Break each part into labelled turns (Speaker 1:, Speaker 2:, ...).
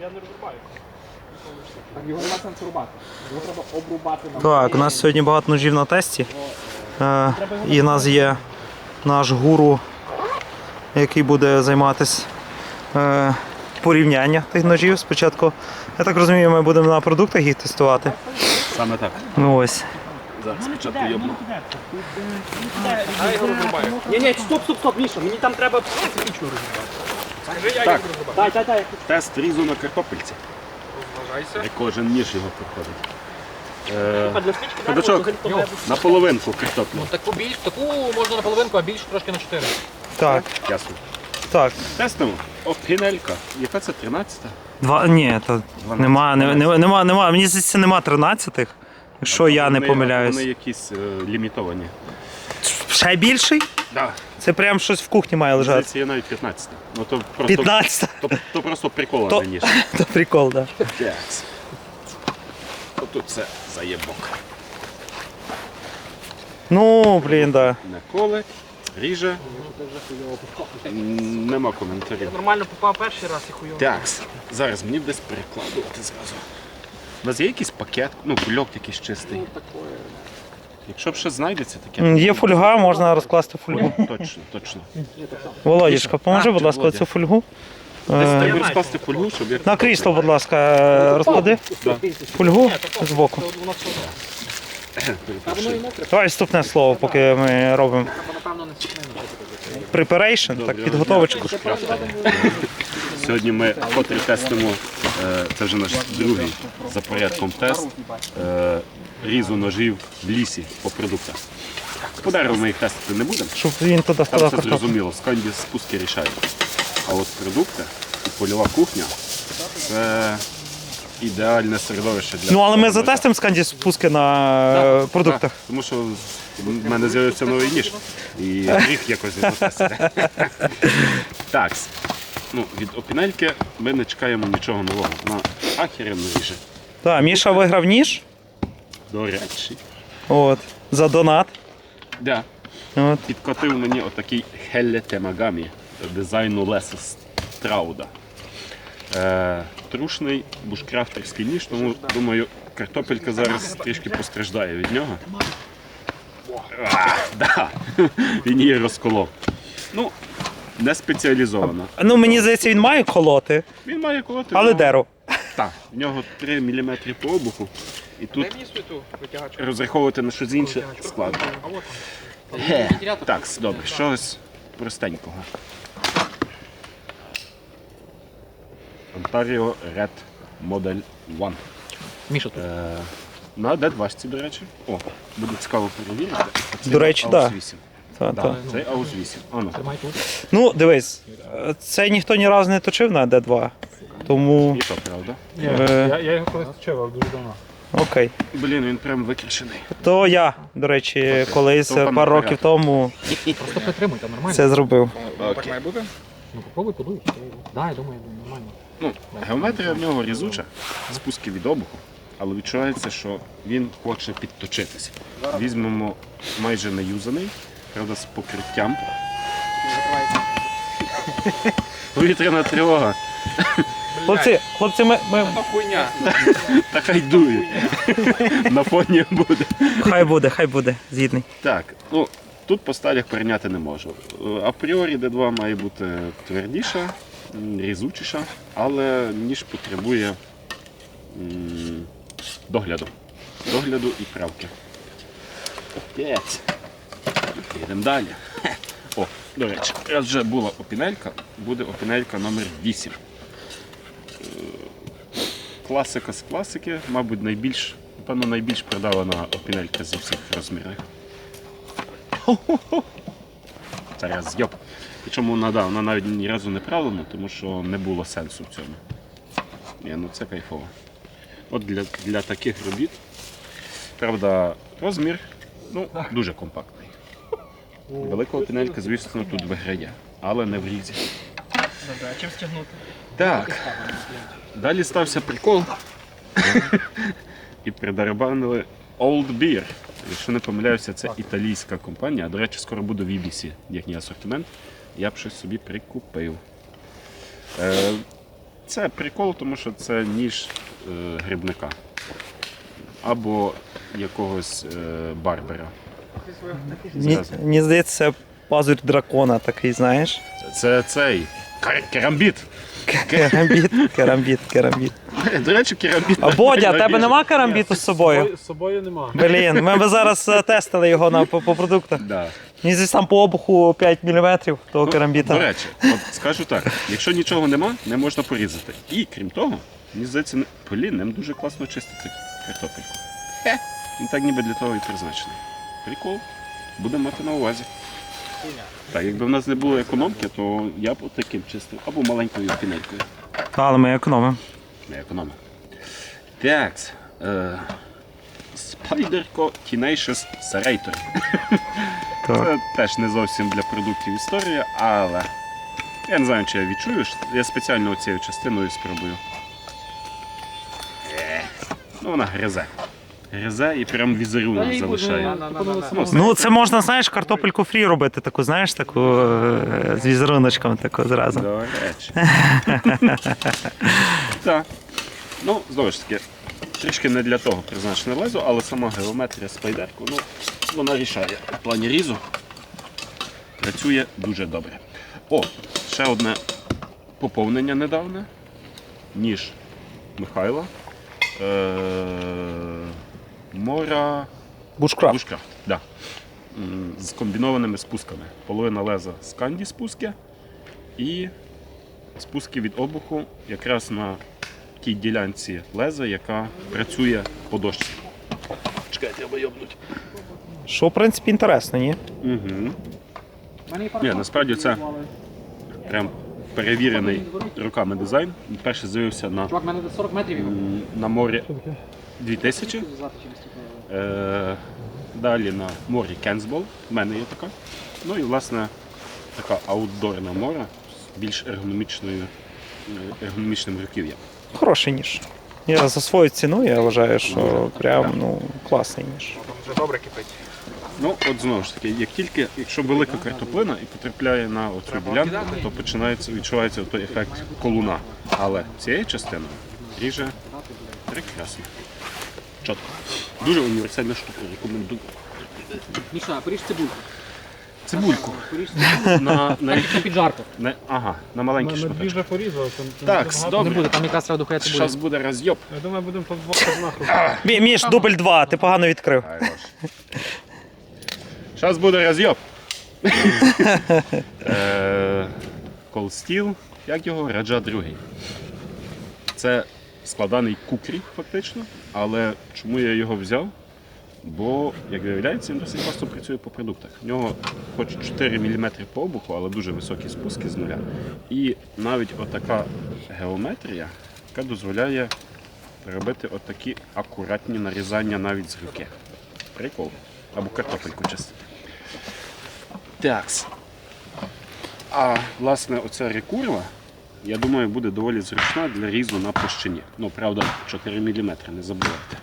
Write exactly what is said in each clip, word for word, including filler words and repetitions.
Speaker 1: Я не розрубаю.
Speaker 2: Так, його нема сенсу рубати. Його треба обрубати.
Speaker 3: Так, у нас сьогодні багато ножів на тесті. Е, і в нас є наш гуру, який буде займатися е, порівнянням тих ножів. Спочатку, я так розумію, ми будемо на продуктах їх тестувати.
Speaker 4: Саме так.
Speaker 3: Ну ось.
Speaker 4: Зараз спочатку йобну.
Speaker 1: Я його розрубаю.
Speaker 2: Ні, ні, стоп, стоп, стоп, Міша, мені там треба специфічно розрубати.
Speaker 1: Скажи, я
Speaker 4: Так.
Speaker 1: його розрубаю.
Speaker 2: Дай, дай, дай.
Speaker 4: Тест різу на картопельці.
Speaker 1: Розважайся.
Speaker 4: Як кожен ніж його проходить. Е,
Speaker 2: А для свічки
Speaker 4: Ходачок,
Speaker 2: треба
Speaker 4: на половинку картоплю.
Speaker 1: Таку більш, таку можна на половинку, а більше трошки на чотири.
Speaker 3: Так,
Speaker 4: Ясно.
Speaker 3: так.
Speaker 4: Тестимо. О, пінелька. Яка це тринадцята?
Speaker 3: Два, ні, то нема, не, не, нема, нема, мені здається, нема тринадцятих, якщо я не
Speaker 4: Вони-
Speaker 3: помиляюсь.
Speaker 4: Вони якісь е, лімітовані.
Speaker 3: Ще більший?
Speaker 4: Да.
Speaker 3: Це прям щось в кухні має лежати.
Speaker 4: Здається, є навіть п'ятнадцята. Ну то просто,
Speaker 3: п'ятнадцять.
Speaker 4: то, то просто прикола
Speaker 3: То-
Speaker 4: на ніж.
Speaker 3: То прикол, так. Да.
Speaker 4: Так. Отут це заєбок.
Speaker 3: Ну, блін, да.
Speaker 4: Не коле, ріже. М, Нема коментарів.
Speaker 1: Нормально попав перший раз і хуйово.
Speaker 4: Так, зараз мені десь перекладувати зразу. У вас є якийсь пакет, ну, кульок якийсь чистий? Якщо б ще знайдеться таке.
Speaker 3: М, Є фольга, можна розкласти фольгу.
Speaker 4: Точно, точно.
Speaker 3: Володічка, поможи,
Speaker 4: А,
Speaker 3: будь ласка,
Speaker 4: Володя.
Speaker 3: цю фольгу.
Speaker 4: Десь
Speaker 3: Е,
Speaker 4: треба розкласти фольгу, щоб як...
Speaker 3: На крісло, будь ласка, е, розклади
Speaker 4: Да.
Speaker 3: фольгу збоку.
Speaker 1: Воно все одно.
Speaker 4: Перепрошую.
Speaker 3: Давай вступне слово, поки ми робимо
Speaker 1: Напевно, не сухне.
Speaker 3: preparation, так, підготовочку.
Speaker 4: Сьогодні ми вкотре тестимо, е, це вже наш другий за порядком тест, е, різу ножів в лісі по продуктах. По дереву ми їх тестити не будемо,
Speaker 3: Щоб він туди
Speaker 4: там
Speaker 3: складав
Speaker 4: все
Speaker 3: картоплю.
Speaker 4: зрозуміло, сканді спуски рішають. А от продукти і польова кухня – це ідеальне середовище для...
Speaker 3: Ну, але ми
Speaker 4: ножа.
Speaker 3: затестимо сканді спуски на е, продуктах.
Speaker 4: Так, тому що в мене з'явився новий ніж і гріх якось не затестити. Так, ну, від опінельки ми не чекаємо нічого нового. Вона ахеренно ріже.
Speaker 3: Так, Міша виграв ніж.
Speaker 4: До речі.
Speaker 3: От, за донат.
Speaker 4: Да.
Speaker 3: От.
Speaker 4: Підкотив мені отакий Хелле Темагамі дизайну Леса Страуда. Е, трушний бушкрафтерський ніж, тому думаю, картопелька зараз трішки постраждає від нього. А, да. Він її розколов. Ну, не спеціалізовано.
Speaker 3: Ну, мені здається, він має колоти,
Speaker 4: Він має колоти.
Speaker 3: але
Speaker 4: ну,
Speaker 3: дерево.
Speaker 4: Так, в нього три міліметри по обуху. І тут
Speaker 1: Дай мені світу витягачку.
Speaker 4: розраховувати на щось інше складно.
Speaker 1: А от там.
Speaker 4: Ге. Так, добре, щось простенького. Ontario Red Model один.
Speaker 1: Міша тут.
Speaker 4: Е, на Д двадцять, до речі. О, буде цікаво перевірити. А це
Speaker 3: До речі,
Speaker 4: Аус
Speaker 3: да.
Speaker 4: вісім.
Speaker 3: Та,
Speaker 4: Да,
Speaker 3: та.
Speaker 4: це Аус вісім. Ано.
Speaker 1: Тримай тут.
Speaker 3: Ну, дивись, е, це ніхто ні разу не точив на Д два, тому
Speaker 4: І то правда.
Speaker 3: Е.
Speaker 1: Я, я його колись вчив, дуже давно.
Speaker 3: окей.
Speaker 4: Блін, він прям викрашений.
Speaker 3: То я, до речі, колись
Speaker 4: То пан
Speaker 3: пару років
Speaker 4: Марат.
Speaker 3: тому
Speaker 1: Просто притримуйте, нормально.
Speaker 3: це зробив.
Speaker 1: Так має бути? Ну попробуй, подуй. Да, я думаю, нормально.
Speaker 4: Ну, геометрія в нього різуча, спуски від обуху, але відчувається, що він хоче підточитися. Візьмемо майже неюзаний, правда, з покриттям. Повітряна тривога.
Speaker 3: Хлопці, хлопці, ми, ми...
Speaker 1: Хуйня.
Speaker 4: Та хай дує. На фоні буде.
Speaker 3: хай буде, хай буде, згідний.
Speaker 4: Так, ну, тут по сталях перейняти не можу. Апріорі Д два має бути твердіша, м, різучіша, але ніж потребує м, догляду. Догляду і правки. П'ять. Їдемо далі. Хе. О, до речі, раз вже була опінелька, буде опінелька номер вісім. Е, Класика з класики, мабуть, найбільш, напевно, найбільш продавана опінелька зі всіх розмірів. Зараз йоп. Причому вона, да, вона навіть ні разу не правлена, тому що не було сенсу в цьому. Ні, ну це кайфово. От для, для таких робіт, правда, розмір ну, дуже компактний. Великого пінелька, звісно, тут виграє, але не в різі.
Speaker 1: Добре, а чим стягнути?
Speaker 4: Так, далі стався прикол. І придербанили Old Beer. Якщо не помиляюся, це італійська компанія. До речі, скоро буде в І Бі Сі їхній асортимент. Я б щось собі прикупив. Е, Це прикол, тому що це ніж е, грибника. Або якогось е, барбера.
Speaker 3: Мені, мені здається, це пазурь дракона такий, знаєш.
Speaker 4: Це цей кар- керамбіт.
Speaker 3: Керамбіт, керамбіт, керамбіт.
Speaker 4: До речі, керамбіт.
Speaker 3: А Бодя, а тебе
Speaker 4: найбільше.
Speaker 3: нема керамбіту з собою?
Speaker 1: З собою нема.
Speaker 3: Блін, ми б зараз е, тестили його на, по, по продуктах.
Speaker 4: Да.
Speaker 3: Мені здається, там по обуху п'ять міліметрів того
Speaker 4: Ну,
Speaker 3: керамбіта.
Speaker 4: До речі, от скажу так, якщо нічого нема, не можна порізати. І крім того, мені здається, не- блін, ним дуже класно чистити картопельку. Хе, він так ніби для того і призначений. Прикол. Будемо мати на увазі. Так, якби в нас не було економки, то я б от таким чистив. Або маленькою пінелькою.
Speaker 3: Але ми економимо.
Speaker 4: Не економимо. Так. Е, Spyderco Tenacious Serrator.
Speaker 3: Так.
Speaker 4: Це теж не зовсім для продуктів історія, але я не знаю, чи я відчую. Я спеціально оцією частиною спробую. Е, Ну, вона гризе. Гризе і прям візерунок залишає.
Speaker 3: Ну, це можна, знаєш, картопельку фрі робити, таку, знаєш, таку е, з візеруночком таку зразу.
Speaker 4: До речі. Так. Ну, знову ж таки, трішки не для того призначене лезо, але сама геометрія спайдерку, ну, вона рішає в плані різу. Працює дуже добре. О, ще одне поповнення недавне. Ніж Михайла. Е- Мора
Speaker 3: Бушкрафт.
Speaker 4: Бушкрафт, да. М, з комбінованими спусками. Половина леза з канді спуски і спуски від обуху якраз на тій ділянці леза, яка працює по дошці. Чекайте, треба йобнуть.
Speaker 3: Що, в принципі, інтересно, ні?
Speaker 4: Угу. Ні, насправді це прям перевірений роками дизайн. Він перший з'явився на,
Speaker 2: Чувак, в мене до сорок метрів його.
Speaker 4: м, на морі дві тисячі.
Speaker 2: Завтра через типу.
Speaker 4: Е, далі на морі Кенсбол, в мене є така. Ну і власне така аутдорна мора з більш ергономічною, е, ергономічним руків'ям.
Speaker 3: Хороший ніж. Я за свою ціну я вважаю, що прям ну, класний ніж.
Speaker 2: Там вже добре кипить.
Speaker 4: Ну, от знову ж таки, як тільки, якщо велика картоплина і потрапляє на оцю ділянку, то починається, відчувається той ефект колуна. Але цією частиною ріже прекрасно. Чітко. Дуже універсальна штука, рекомендую.
Speaker 2: Міша, поріж цибульку.
Speaker 4: Цибульку.
Speaker 2: Поріж цибульку.
Speaker 4: На, на,
Speaker 2: На піджарку.
Speaker 4: на, ага, на маленькі
Speaker 1: Ми дві
Speaker 4: шматочки.
Speaker 1: вже порізали. Там, там
Speaker 4: Так,
Speaker 1: дуже багато.
Speaker 4: добре.
Speaker 2: Не буде, там якраз треба духає цибулю.
Speaker 4: Зараз буде роз'єб.
Speaker 1: Я думаю, будемо по двох нахуй.
Speaker 3: Мі- Міш, дубль два, ти погано відкрив.
Speaker 4: Зараз буде роз'єб. Cold Steel, як його? Раджа другий. Це складаний кукрі, фактично, але чому я його взяв? Бо, як виявляється, він досить класно працює по продуктах. В нього хоч чотири міліметри по обуху, але дуже високі спуски з нуля. І навіть отака геометрія, яка дозволяє робити отакі акуратні нарізання навіть з руки. Прикол. Або картопельку чистити. Такс. А власне оця рекурва, я думаю, буде доволі зручна для різу на площині. Ну, правда, чотири міліметри, не забувайте.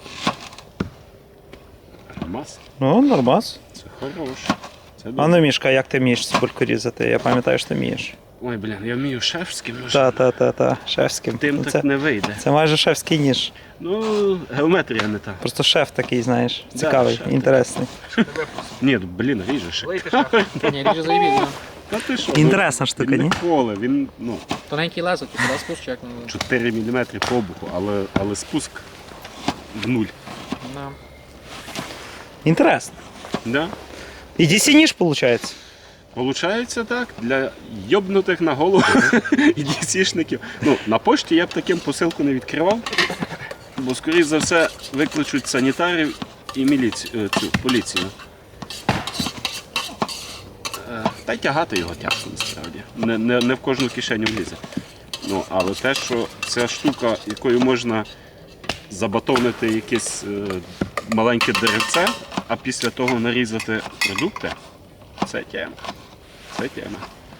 Speaker 4: Нормас.
Speaker 3: Ну, нормас.
Speaker 4: Це хороше. Це
Speaker 3: А
Speaker 4: добре.
Speaker 3: ну, Мішка, як ти вмієш цибульку різати? Я пам'ятаю, що ти вмієш.
Speaker 4: Ой, блін, я вмію шефським ножем.
Speaker 3: Та-та-та-та, шефським.
Speaker 4: Тим
Speaker 3: Ну,
Speaker 4: так
Speaker 3: це,
Speaker 4: не вийде.
Speaker 3: це майже шефський ніж.
Speaker 4: Ну, геометрія не та.
Speaker 3: Просто шеф такий, знаєш,
Speaker 4: Да,
Speaker 3: цікавий,
Speaker 4: шеф.
Speaker 3: інтересний.
Speaker 4: Ні, ну, блін, ріжеш.
Speaker 2: Лийте шеф. Ні, ріже заїбіть.
Speaker 4: Та ти що?
Speaker 3: Інтересна
Speaker 4: ну,
Speaker 3: штука,
Speaker 4: він
Speaker 3: ні?
Speaker 4: не коле, він, ну,
Speaker 2: Тоненький лезо, типу, да, спуск чи як? Ну,
Speaker 4: чотири міліметри по обуху, але, але спуск в нуль.
Speaker 2: да.
Speaker 3: Інтересно.
Speaker 4: Да?
Speaker 3: І ді сі ніж, виходить?
Speaker 4: Получається так, для йобнутих на голову і дісішників. Ну, на пошті я б таким посилку не відкривав, бо, скоріш за все, викличуть санітарів і міліцію, цю, поліцію. Е, Та й тягати його тяжко, насправді. Не, не, не в кожну кишеню влізе. Ну, але те, що ця штука, якою можна забатонити якесь е, маленьке деревце, а після того нарізати продукти, це тема. Це тема.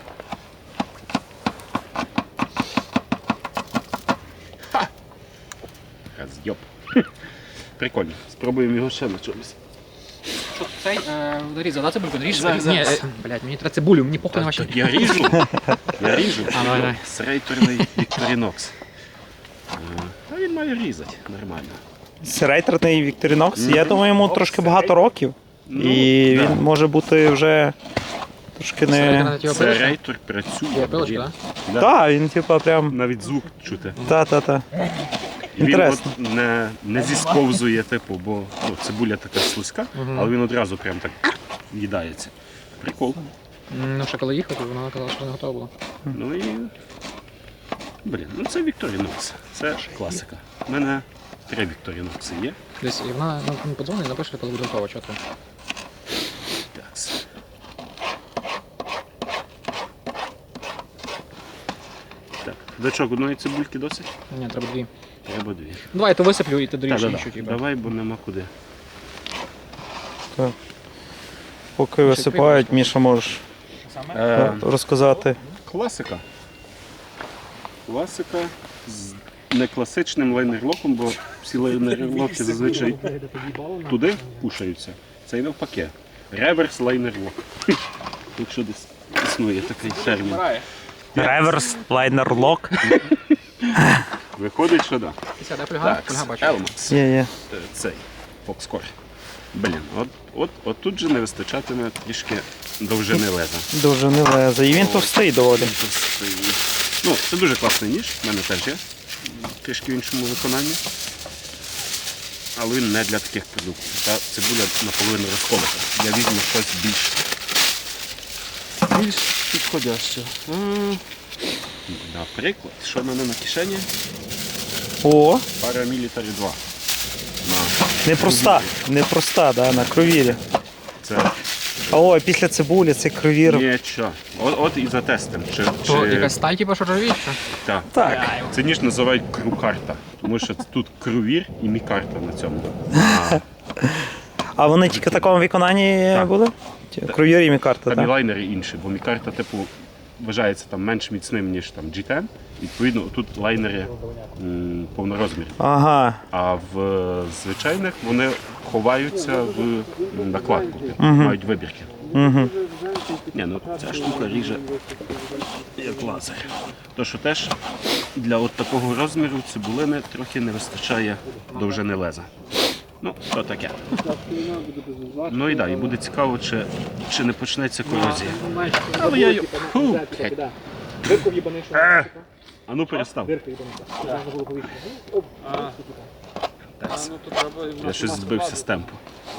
Speaker 4: Ха! Роз'єб. Прикольно. Спробуємо його ще на чомусь.
Speaker 1: щоб цей е, нарізав, да, цибульку? Наріж?
Speaker 4: Зараз,
Speaker 1: Ні,
Speaker 4: зараз.
Speaker 1: е, блядь, мені треба цибулю, мені похуй на ваші.
Speaker 4: Так я ріжу. Я ріжу.
Speaker 1: А, давай, давай.
Speaker 4: Серейторний Victorinox. Е, А він має різати нормально.
Speaker 3: Серейтерний Вікторінокс, я думаю, йому трошки багато років.
Speaker 4: Ну,
Speaker 3: І
Speaker 4: да.
Speaker 3: він може бути вже трошки не.
Speaker 4: Серейтор працює.
Speaker 1: Є пилочка,
Speaker 4: блін.
Speaker 1: так?
Speaker 4: Да.
Speaker 3: Так, він типа прям.
Speaker 4: Навіть звук чути.
Speaker 3: Та-та-та.
Speaker 4: І він
Speaker 3: Інтересно.
Speaker 4: от не, не зісковзує, типу, бо ну, цибуля така слизька, але він одразу прям так їдається. Прикол.
Speaker 1: Ну, ще коли їхати, вона казала, що не готова була.
Speaker 4: Ну і. Блін, ну це Victorinox. Це класика. У мене три Victorinox є.
Speaker 1: Десь, і вона ну, подзвонить, напише, коли буде готова, чітко.
Speaker 4: Такс. Так, дочок, одної цибульки досить?
Speaker 1: Ні, треба дві.
Speaker 4: Треба дві.
Speaker 1: Давай, я то висиплю і ти
Speaker 4: Так,
Speaker 1: доріж
Speaker 4: да,
Speaker 1: іншу,
Speaker 4: да.
Speaker 1: типу.
Speaker 4: Давай, бо нема куди.
Speaker 3: Так. Поки висипають, Міша, можеш
Speaker 4: Е,
Speaker 3: розказати.
Speaker 4: класика. Класика з не класичним лайнерлоком, бо всі лайнерлоки зазвичай туди пушаються. Це і навпаки. Реверс лайнерлок. Якщо десь існує такий термін.
Speaker 3: Реверс лайнер лок.
Speaker 4: Виходить, що так.
Speaker 1: Ти сядай, пляга,
Speaker 4: Так,
Speaker 1: пляга бачу.
Speaker 4: Elmax.
Speaker 3: Є, є.
Speaker 4: Е, Цей Foxcore. Блін, от, от, от тут же не вистачатиме трішки довжини леза.
Speaker 3: Дуже не лезе. І він товстий доволі.
Speaker 4: Ну, це дуже класний ніж, в мене теж є. Трішки в іншому виконанні. Але він не для таких продуктів. Та цибуля наполовину розколота. Я візьму щось більш, більш підходяще. М, Наприклад, що в мене на кишені?
Speaker 3: О,
Speaker 4: Paramilitary два. На.
Speaker 3: непроста. Непроста, да, на кровірі.
Speaker 4: Це
Speaker 3: А ой, після цибулі цей кровір.
Speaker 4: нічого. От, от і затестимо. Чи,
Speaker 1: То
Speaker 4: чи...
Speaker 1: якась сталь, типу, що ржавіюча?
Speaker 4: Так.
Speaker 3: Так.
Speaker 4: Це ніж називають крукарта, тому що тут крувір і мікарта на цьому. А
Speaker 3: А вони тільки в такому виконанні
Speaker 4: Так.
Speaker 3: були? Ті, Кровір і мікарта,
Speaker 4: там і
Speaker 3: так?
Speaker 4: лайнери інші, бо мікарта, типу, вважається там менш міцним, ніж там джі десять. Відповідно, тут лайнери м, повнорозмірні.
Speaker 3: Ага.
Speaker 4: А в е, звичайних вони ховаються в м, накладку, типу, мають вибірки.
Speaker 3: Угу.
Speaker 4: Ні, ну ця штука ріже як лазер. То, що теж для от такого розміру цибулини трохи не вистачає довжини леза. Ну, то таке. Ну і да, і буде цікаво, чи, чи не почнеться корозія. Але я її... Фу, блядь.
Speaker 2: Дирку в'їбаний, що
Speaker 4: Е! А ну перестав.
Speaker 2: дирка в'їбаниця. Можна було повітря.
Speaker 4: Я щось збився з темпу.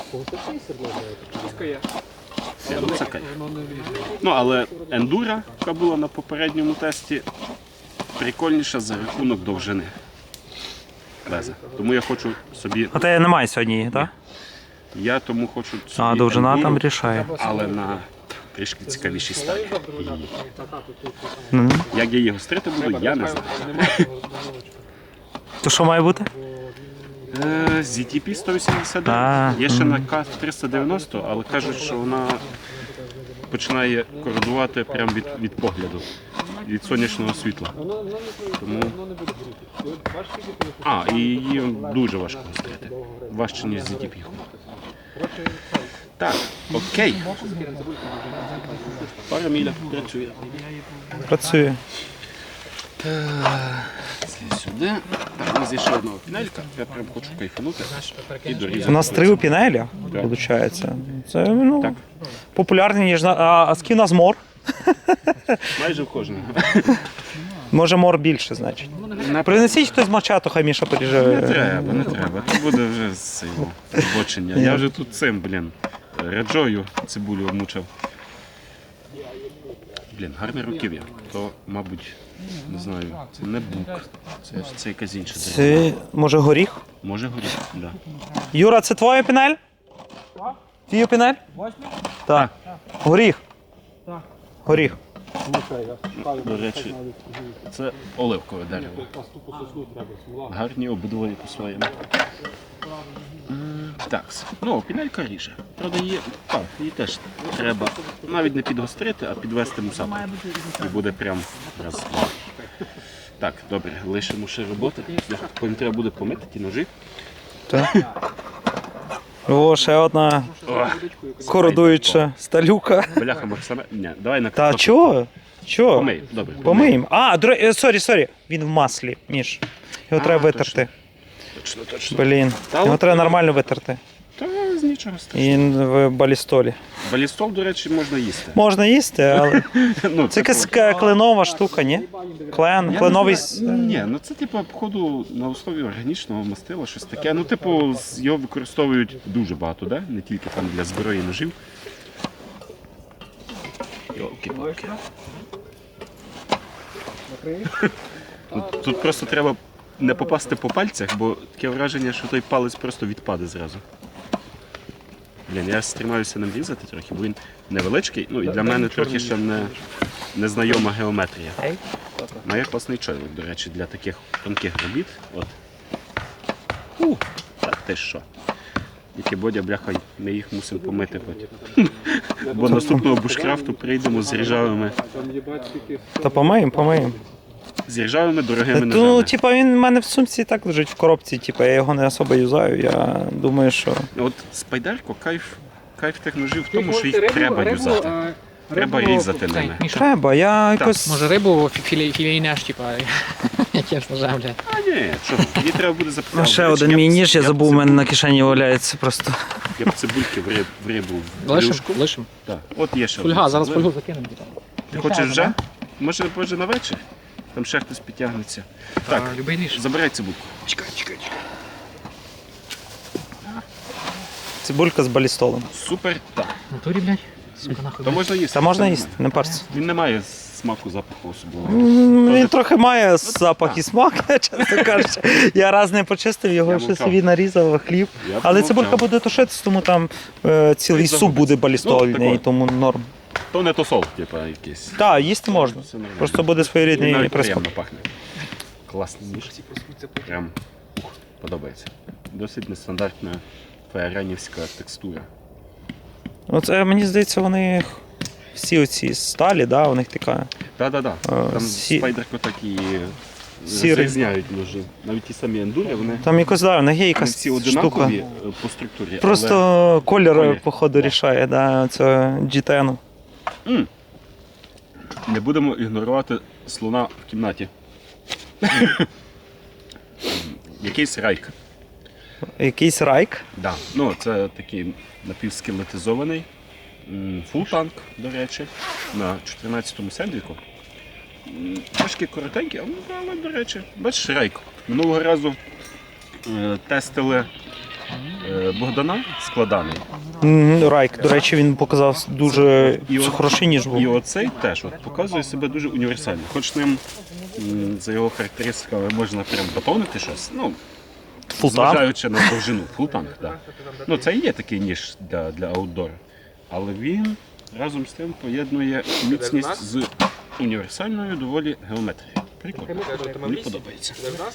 Speaker 4: Ні, ну це кайф. Ну, але ендура, яка була на попередньому тесті, прикольніша за рахунок довжини леза. Тому я хочу собі,
Speaker 3: А тебе немає сьогодні її, так?
Speaker 4: я тому хочу собі
Speaker 3: А, довжина
Speaker 4: ендуру,
Speaker 3: там рішає.
Speaker 4: але на трішки цікавішій стадії. І
Speaker 3: Ну.
Speaker 4: як я її гострити буду, я не знаю.
Speaker 3: То що має бути?
Speaker 4: Е, зі ті пі сто вісімдесят
Speaker 3: А,
Speaker 4: дев'ять. Є ще на К триста дев'яносто, але кажуть, що вона починає кородувати прямо від, від погляду, від сонячного світла. Тому... А, і її дуже важко гострити. Важче, ніж зі ті пі. Так, окей. Параміля працює.
Speaker 3: Працює.
Speaker 4: Це сюди. Так, у нас є ще одна пінелька. Я прям хочу кайфанути і дорізати.
Speaker 3: У нас три у пінелі,
Speaker 4: Так.
Speaker 3: виходить. Це ну,
Speaker 4: Так.
Speaker 3: популярні, ніж на. А, а скільки у нас мор?
Speaker 4: Майже в кожного.
Speaker 3: Може мор більше, значить. Принесіть хтось мачату, хай Міша
Speaker 4: Не
Speaker 3: поріже.
Speaker 4: треба, не треба. Це буде вже з цього збочення. Я вже тут цим, блін, реджою цибулю обмучав. Блін, гарне руків'я. То, мабуть, не знаю, це не бук. Це, це якась інша дерева.
Speaker 3: Це може горіх?
Speaker 4: Може горіти, так. Да.
Speaker 3: Юра, це твоя пінель? Твій пінель? Так. Горіх. Горіх.
Speaker 4: До речі, це оливкове дерево. Гарні обидвоє по-своєму. М, Так, ну, пінелька ріже. Правда, її, так, її теж треба навіть не підгострити, а підвести мусаку. І буде прям раз. Два. Так, добре, лишимо ще роботи. Потім треба буде помити ті ножі.
Speaker 3: Так. О, ще одна кородуюча сталюка.
Speaker 4: Бляха, Максиме. Ні, давай на
Speaker 3: Та
Speaker 4: картоплю.
Speaker 3: чого? Чого?
Speaker 4: Помий, добре.
Speaker 3: Помиємо. А, дро- е, сорі, сорі. Він в маслі, ніж. Його
Speaker 4: А,
Speaker 3: треба витерти.
Speaker 4: Точно, точно.
Speaker 3: Блін.
Speaker 4: Та
Speaker 3: Його
Speaker 4: от-
Speaker 3: треба нормально витерти.
Speaker 4: Та з нічого страшного.
Speaker 3: І в балістолі.
Speaker 4: Балістол, до речі, можна їсти.
Speaker 3: Можна їсти, але
Speaker 4: Ну,
Speaker 3: це якась ка- кленова штука, ні? Клен,
Speaker 4: Я
Speaker 3: кленовий.
Speaker 4: не знаю. Ні, ну це типу, походу, на основі органічного мастила, щось таке. Ну, типу, з- його використовують дуже багато, да? Не тільки там для зброї ножів. Йолки-палки. Тут, тут просто треба не попасти по пальцях, бо таке враження, що той палець просто відпаде зразу. Блін, я стримаюся ним різати трохи, бо він невеличкий, ну і для мене трохи ще не, незнайома геометрія. Має класний чоловік, до речі, для таких тонких робіт. От. У, так ти що? Тільки Бодя, бляха, ми їх мусимо помити потім. Бо наступного бушкрафту прийдемо з ржавими,
Speaker 3: Та помиємо, помиємо.
Speaker 4: з ржавими дорогими
Speaker 3: Ну,
Speaker 4: ножами.
Speaker 3: типа, він в мене в сумці і так лежить в коробці, типа, я його не особо юзаю. Я думаю, що.
Speaker 4: От спайдерко, кайф, кайф тих ножів в тому, що їх треба юзати. Треба різати ними.
Speaker 1: Міша,
Speaker 3: Треба, я якось.
Speaker 1: може рибу філі, філійнеш, типа, яким ножем, блядь.
Speaker 4: А ні, що, її треба буде запитати.
Speaker 3: А ще один мій ніж, я забув, у мене на кишені валяється просто.
Speaker 4: Я б цибульки в риб- в рибу в
Speaker 1: Лишим,
Speaker 4: брюшку.
Speaker 1: лишим.
Speaker 4: Так, от є ще.
Speaker 1: Фольга,
Speaker 4: одна
Speaker 1: зараз
Speaker 4: цибуля.
Speaker 1: фольгу закинемо. типа.
Speaker 4: Ти хочеш вже? Може, може на вечір? Там ще хтось підтягнеться. Так,
Speaker 1: А, любий ніж.
Speaker 4: забирай цибульку.
Speaker 1: Чекай, чекай, чекай.
Speaker 3: Цибулька з балістолом.
Speaker 4: Супер, так.
Speaker 1: В натурі, блядь. Сука, нахуй.
Speaker 4: То
Speaker 1: блядь.
Speaker 4: можна їсти.
Speaker 3: Та можна
Speaker 4: це
Speaker 3: їсти,
Speaker 4: нормально.
Speaker 3: не парся.
Speaker 4: Він не має смаку, запаху особливого.
Speaker 3: М, Він
Speaker 4: Тоже-
Speaker 3: трохи має запах і смак, чесно кажучи. Я раз не почистив, його
Speaker 4: Я
Speaker 3: ще
Speaker 4: мовчав.
Speaker 3: собі нарізав хліб.
Speaker 4: Я
Speaker 3: Але
Speaker 4: помовчав.
Speaker 3: цибулька буде тушитися, тому там е, цілий
Speaker 4: Він
Speaker 3: суп
Speaker 4: загубиться.
Speaker 3: буде балістольний,
Speaker 4: Ну,
Speaker 3: і тому норм.
Speaker 4: То не то сол, типа якийсь.
Speaker 3: Так, їсти можна.
Speaker 4: Все нормально.
Speaker 3: Просто буде
Speaker 4: Він
Speaker 3: своєрідний
Speaker 4: навіть
Speaker 3: присмак.
Speaker 4: приємно пахне. Класний ніж. Прям ух, подобається. Досить нестандартна фаєранівська текстура.
Speaker 3: Оце, мені здається, вони всі оці сталі, да, у них така.
Speaker 4: Так-так-так.
Speaker 3: А,
Speaker 4: Там
Speaker 3: сі-
Speaker 4: спайдерко так і
Speaker 3: Сірий.
Speaker 4: розрізняють ножі. Навіть ті самі ендури, вони,
Speaker 3: Там якось, да, у них є
Speaker 4: вони
Speaker 3: якась
Speaker 4: всі
Speaker 3: штука.
Speaker 4: одинакові е, по структурі.
Speaker 3: Просто колір,
Speaker 4: Колір.
Speaker 3: походу,
Speaker 4: Да.
Speaker 3: рішає, да, це джі десять.
Speaker 4: Але... М. Не будемо ігнорувати слона в кімнаті. Якийсь райк.
Speaker 3: Якийсь райк.
Speaker 4: Да. Ну, це такий напівскелетизований м, фултанк, до речі, на чотирнадцятому сендвіку. М, Трошки коротенький, але, але, до речі, бачиш, рейк. Минулого разу е, тестили е, Богдана складаний.
Speaker 3: М, Райк, до речі, він показав дуже
Speaker 4: І от-
Speaker 3: хороший ніж
Speaker 4: І
Speaker 3: був.
Speaker 4: оцей теж от, показує себе дуже універсально. Хоч ним м, за його характеристиками можна прям батонити щось. Ну,
Speaker 3: Фултанк.
Speaker 4: зважаючи на довжину, фултанк, так. Да. Ну, це і є такий ніж для, для аутдору. Але він разом з тим поєднує міцність з універсальною доволі геометрією. Прикольно. Мені подобається.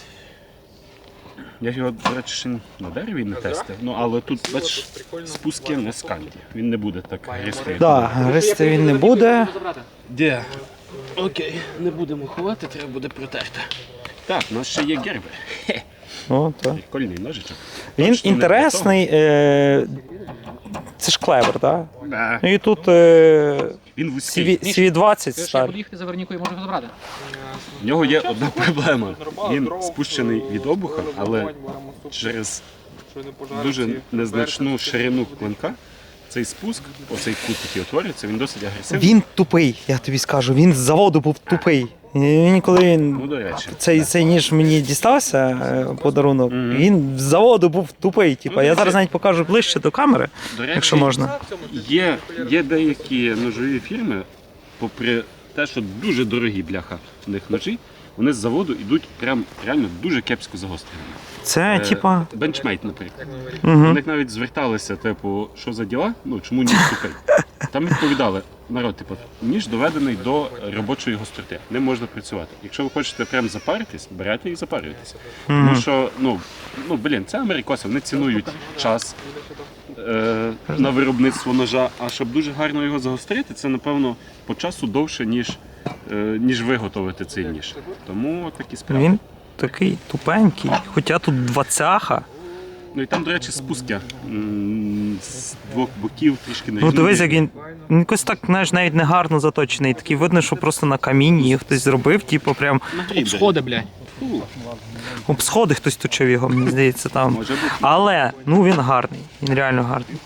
Speaker 4: Я його, до речі, ще на дереві не тестив, ну але тут, бачиш, спуски не скальні. Він не буде так гристий. як
Speaker 3: Так, гристи він не буде.
Speaker 4: Де? Окей, не будемо ховати, треба буде протерти. Так, у нас ще є герби.
Speaker 3: О, так.
Speaker 4: Прикольний ножичок.
Speaker 3: Він
Speaker 4: Точно не
Speaker 3: інтересний. Е... Це ж клевер, так?
Speaker 4: Да.
Speaker 3: Ну і тут е...
Speaker 4: Він вузький.
Speaker 3: сі ві двадцять
Speaker 1: Ти ж я
Speaker 3: сталь.
Speaker 1: буду їхати за Вернікою, можу його забрати.
Speaker 4: В нього є одна проблема. Він спущений від обуха, але через дуже незначну ширину клинка цей спуск, оцей кут, який утворюється, він досить агресивний.
Speaker 3: Він тупий, я тобі скажу. Він з заводу був тупий. Він ніколи
Speaker 4: Ну, до речі.
Speaker 3: цей, цей ніж мені дістався е, подарунок.
Speaker 4: Мгм.
Speaker 3: Він з заводу був тупий. Типа,
Speaker 4: Ну,
Speaker 3: я
Speaker 4: до
Speaker 3: зараз
Speaker 4: речі.
Speaker 3: навіть покажу ближче до камери,
Speaker 4: До речі,
Speaker 3: якщо можна.
Speaker 4: Є, є деякі ножові фірми, попри те, що дуже дорогі бляха в них ножі, вони з заводу йдуть прям реально дуже кепсько загостреними.
Speaker 3: Це,
Speaker 4: Е,
Speaker 3: типа.
Speaker 4: Бенчмейт, наприклад.
Speaker 3: Угу.
Speaker 4: До них навіть зверталися, типу, що за діла, ну чому ніж тупий. Там відповідали, народ, типу, ніж доведений до робочої гостроти, ним можна працювати. Якщо ви хочете прям запаритись, берете і запарюєтеся. Тому що, ну, ну блін, це америкоси, вони цінують час е, на виробництво ножа, а щоб дуже гарно його загострити, це, напевно, по часу довше, ніж, е, ніж виготовити цей ніж. Тому такі справи.
Speaker 3: Він такий тупенький, хоча тут двадцяха.
Speaker 4: Ну і там, до речі, спуски м, з двох боків трішки не
Speaker 3: Ну дивись, як він, він якось так, знаєш, навіть не гарно заточений. Такий видно, що просто на камінні її хтось зробив, типу прям
Speaker 1: Сходи, блядь.
Speaker 3: об сходи хтось точив його, мені здається, там.
Speaker 4: Може бути.
Speaker 3: Але, ну він гарний, він реально гарний.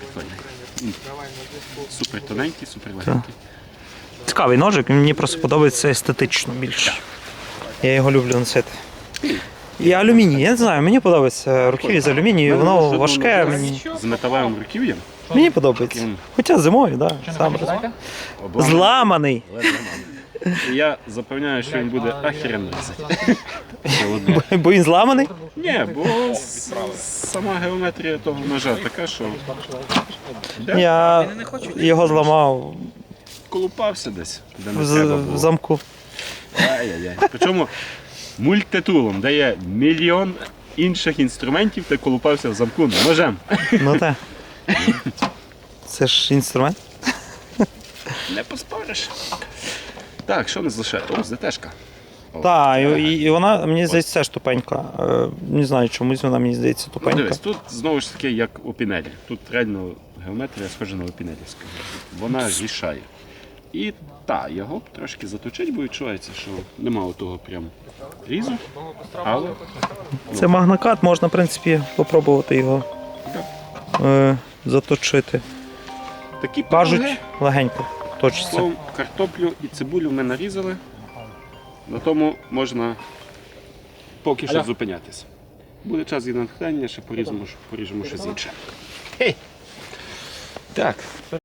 Speaker 4: Супер тоненький, супер легенький.
Speaker 3: Цікавий ножик, мені просто подобається естетично більше. Я його люблю носити. І алюміній, я не знаю, мені подобається руків'я з алюмінію, воно важке, мені,
Speaker 4: З металевим руків'ям.
Speaker 3: мені подобається. Хоча зимою, так, да, сам розумію. Зламаний.
Speaker 4: І я запевняю, що він буде ахеренно різати. Це одне.
Speaker 3: Бо він зламаний?
Speaker 4: Ні, бо с- сама геометрія того ножа така, що де
Speaker 3: Я його зламав
Speaker 4: колупався десь, де не
Speaker 3: в,
Speaker 4: треба
Speaker 3: з- в
Speaker 4: було.
Speaker 3: замку.
Speaker 4: Ай-яй-яй. Причому мультитулом, де є мільйон інших інструментів, ти колупався в замку ножем.
Speaker 3: Ну так. Це ж інструмент.
Speaker 4: Не поспориш. Так, що не залишає? О, ЗТшка. О,
Speaker 3: Так, і, і вона, мені здається, теж тупенька. Е, Не знаю, чомусь вона мені здається
Speaker 4: Ну,
Speaker 3: тупенька.
Speaker 4: дивись, тут знову ж таки як у пінелі. Тут реально геометрія схожа на опінелівську. Вона рішає. І та, його трошки заточить, бо відчувається, що нема того прям різу. Але
Speaker 3: Це магнокат, можна, в принципі, спробувати його е, заточити.
Speaker 4: такі
Speaker 3: Кажуть,
Speaker 4: пироги.
Speaker 3: легенько точиться.
Speaker 4: Словом, картоплю і цибулю ми нарізали. На тому можна поки що
Speaker 1: Алло.
Speaker 4: зупинятися. Буде час і натхнення, ще поріжемо, поріжемо щось інше. Так.